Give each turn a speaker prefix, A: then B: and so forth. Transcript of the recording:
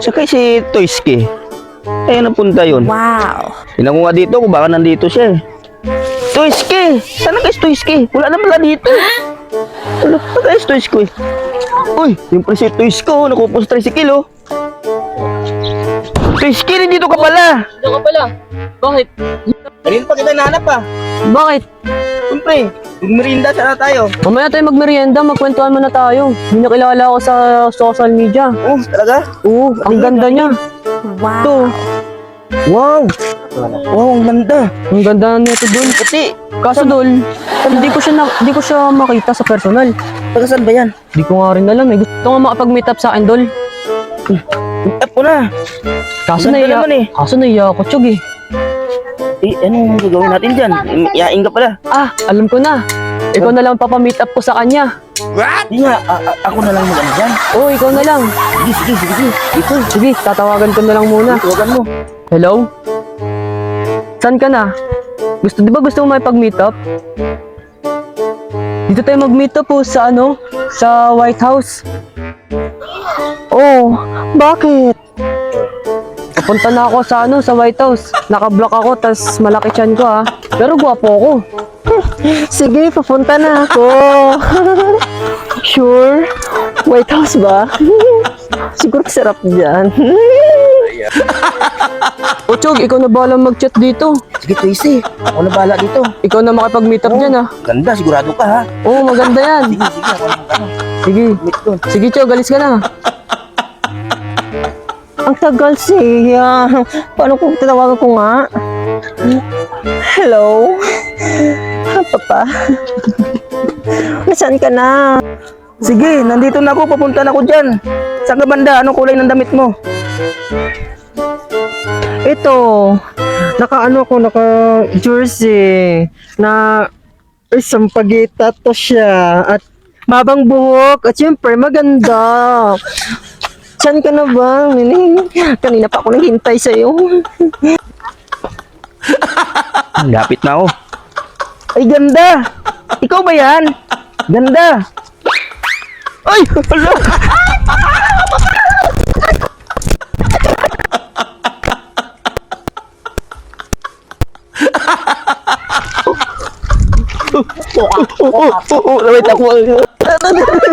A: Saka si Toyski. Eh, napunta yun.
B: Wow.
A: Tingnan ko nga dito kung baka nandito siya eh. Toyski! Sana guys Toyski? Wala na pala dito. Wala pa guys Toyski. Uy, yung pala si Toyski oh. Nakupos tricycle oh. Toyski, nandito ka pala.
C: Dito ka pala. Bakit?
A: Kanina pa kita nahanap ah.
C: Bakit?
A: Siyempre, magmerinda sana tayo.
C: Mamaya tayo magmerienda, magkwentuhan muna tayo. Hindi nakilala ako sa social media.
A: Oh, talaga?
C: Oo, ang ganda niya.
B: Wow.
C: Ito,
A: Wow! Wow, ang ganda.
C: ang ganda nito dun.
A: Kasi,
C: Kaso dul, hindi ko siya makita sa personal.
A: taga saan ba yan?
C: Hindi ko nga rin alam eh. Gusto nga makapag-meet up sa akin, dul.
A: Tap ko na.
C: Kaso
A: Ang ganda
C: naiya,
A: naman eh.
C: ako, Chug eh.
A: Eh, anong gagawin natin dyan? Iyain ka pala.
C: Ah, alam ko na. Ikaw na lang papameet up ko sa kanya.
A: Hindi nga, ako na lang mag-ano dyan.
C: Oo, ikaw na lang.
A: Sige. Ito,
C: Sige, tatawagan ko na lang muna.
A: tawagan mo.
C: Hello? Saan ka na? Di ba gusto mo may pag-meet up? Dito tayo mag-meet up po sa sa White House. Oh, bakit? Papunta na ako sa White House. Naka-block ako, tas malaki tiyan ko ha. Pero gwapo ako.
B: Sige, papunta na ako. Sure? White House ba? Siguro sarap dyan.
C: O Chog, ikaw na bahala mag-chat dito.
A: Sige, Tracy. Ako na bahala dito.
C: Ikaw na makipag-meet up dyan ha.
A: Ganda, sigurado ka ha.
C: Oo, maganda yan.
A: Sige, ako na mag-ano.
C: Sige.
A: Meet doon.
C: Sige Chog, alis ka na.
B: Ang tagal siya. Paano kung tatawagan ko nga? Hello? Papa? Nasaan ka na?
A: Sige, nandito na ako. Papunta na ako dyan. Saan ka banda? Anong kulay ng damit mo?
B: Ito. Naka-jersey. Na isang pagita to siya. At mabang buhok. At syempre, maganda. Saan ka na ba, Nining? Kanina pa ako naghintay sa'yo.
A: Lapit na ako.
B: Ay, ganda! Ikaw ba yan? Ganda!
A: Ay! Hala! Wait ako.